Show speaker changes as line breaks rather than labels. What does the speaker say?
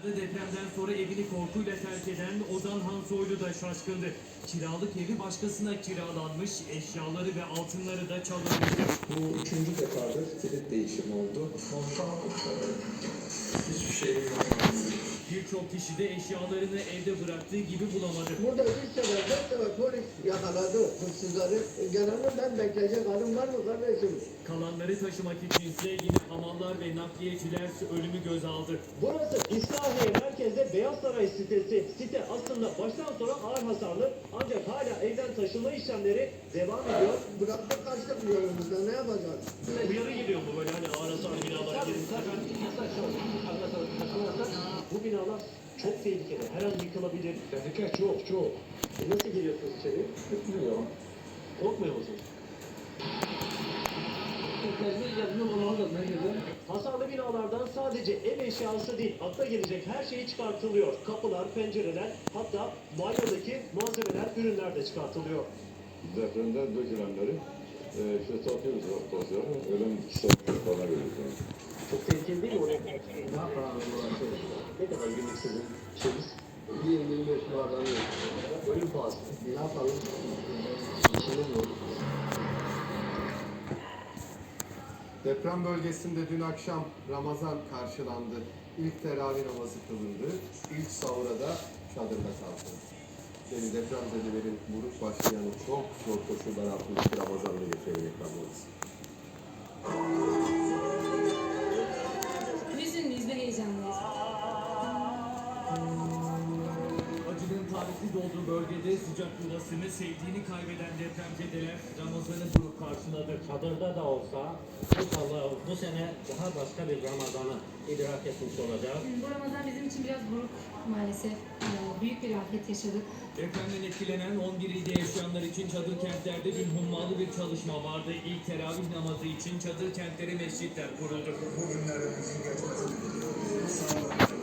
Depremden sonra evini korkuyla terk eden Ozan Hansoylu da şaşkındı. Kiralık evi başkasına kiralanmış, eşyaları ve altınları da çalınmıştı.
Bu üçüncü defadır kilit değişimi oldu. Hiçbir şey yapamadım.
Birçok kişi de eşyalarını evde bıraktığı gibi bulamadı.
Burada 3 sefer 4 sefer polis yakaladı hırsızları. Genelde ben bekleyecek halim var mı kardeşim?
Kalanları taşımak içinse yine hamallar ve nakliyeciler ölümü göz aldı.
Burası İslahiye merkezde Beyaz Saray sitesi. Site aslında baştan sona ağır hasarlı ancak hala evden taşınma işlemleri devam ediyor.
Bıraktık kaçtık yolumuzda, ne yapacağız?
Uyarı geliyor mu böyle hani ağır hasarlı binalara girin? Bu binalar çok tehlikeli. Her an yıkılabilir.
Tehlike çok.
Nasıl giriyorsunuz içeri?
Bilmiyorum.
Korkmuyor musunuz? Hasarlı binalardan sadece ev eşyası değil, akla gelecek her şey çıkartılıyor. Kapılar, pencereler, hatta banyodaki malzemeler, ürünler de çıkartılıyor.
Depremden dökülenleri işte satıyoruz tozları. Ölüm satıyor falan veriyoruz.
Çok tehlikeli değil mi oraya? Ne kadar günlük sizin şeyiniz?
20-25 bardağı yok.
Ölüm pahası.
Ne yapalım?
İşiniz yok.
Deprem bölgesinde dün akşam Ramazan karşılandı. İlk teravih namazı kılındı. İlk sahura da çadırda kaldı. Yani depremzedelerin vurup başlayan o çok zor koşullar altındaki Ramazan'ı geçirerek kalmalıyız.
Hüzünlüyüz ve heyecanlıyız.
Acının tarihli olduğu bölgede sıcak yuvasını, sevdiğini kaybeden depremzedeler Ramazan'ı durup karşıladı.
Çadırda da olsa inşallah bu sene daha başka bir Ramazan'ı idrak etmiş olacağız.
Bu Ramazan bizim için biraz buruk maalesef. Büyük bir afet yaşadık.
Depremden etkilenen 11 ilde yaşayanlar için çadır kentlerde dün hummalı bir çalışma vardı. İlk teravih namazı için çadır kentlere mescitler kuruldu.
Bugünlerimizin geçmesini diliyorum. Sağ olun.